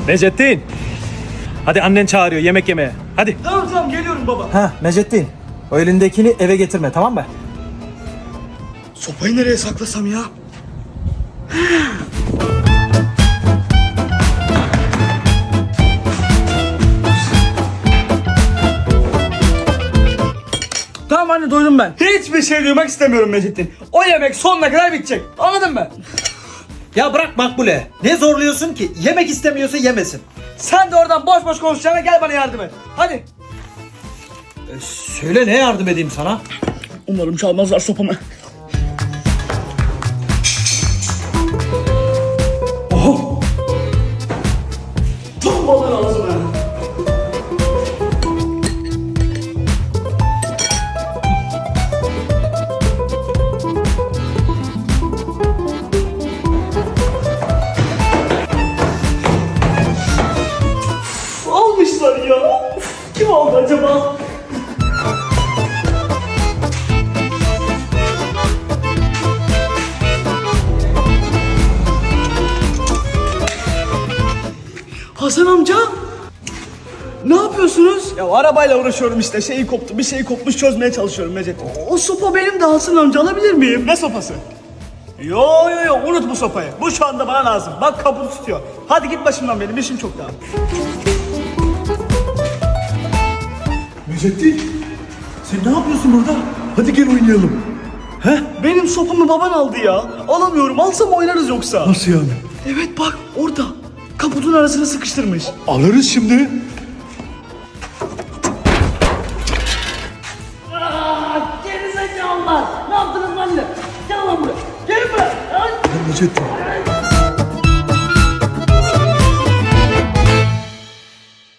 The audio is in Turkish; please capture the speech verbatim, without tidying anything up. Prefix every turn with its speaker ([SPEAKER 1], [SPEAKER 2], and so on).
[SPEAKER 1] Necettin. Hadi annen çağırıyor yemek yemeye. Hadi.
[SPEAKER 2] Tamam tamam geliyorum baba.
[SPEAKER 3] Ha Necettin, o elindekini eve getirme, tamam mı?
[SPEAKER 2] Sopayı nereye saklasam ya? Tamam anne, doydum ben. Hiçbir şey duymak istemiyorum Mecittin. O yemek sonuna kadar bitecek. Anladın mı?
[SPEAKER 3] Ya bırak Makbule. Ne zorluyorsun ki? Yemek istemiyorsa yemesin.
[SPEAKER 2] Sen de oradan boş boş konuşacağına gel bana yardım et. Hadi.
[SPEAKER 3] E, söyle, ne yardım edeyim sana?
[SPEAKER 2] Umarım çalmazlar sopamı. Oho! Tam balığın ağzına. Almışlar ya. Kim aldı acaba? Hasan amca. Ne yapıyorsunuz? Ya arabayla uğraşıyorum işte. Şeyi koptu, bir şey kopmuş, çözmeye çalışıyorum Mecet. O, o sopa benim de, Hasan amca, alabilir miyim? Ne sopası? Yo yo yo, unut bu sopayı. Bu şu anda bana lazım. Bak kaputu tutuyor. Hadi git başımdan, benim işim çok daha.
[SPEAKER 4] Necettin, sen ne yapıyorsun burada? Hadi gel oynayalım.
[SPEAKER 2] He? Benim sopamı baban aldı ya. Alamıyorum. Alsam oynarız yoksa.
[SPEAKER 4] Nasıl yani?
[SPEAKER 2] Evet bak orada. Kaputun arasına sıkıştırmış.
[SPEAKER 4] Alırız şimdi.
[SPEAKER 5] Gerizekalılar! Ne yaptınız benimle? Gel lan buraya! Gelin buraya! Ay!
[SPEAKER 4] Necettin,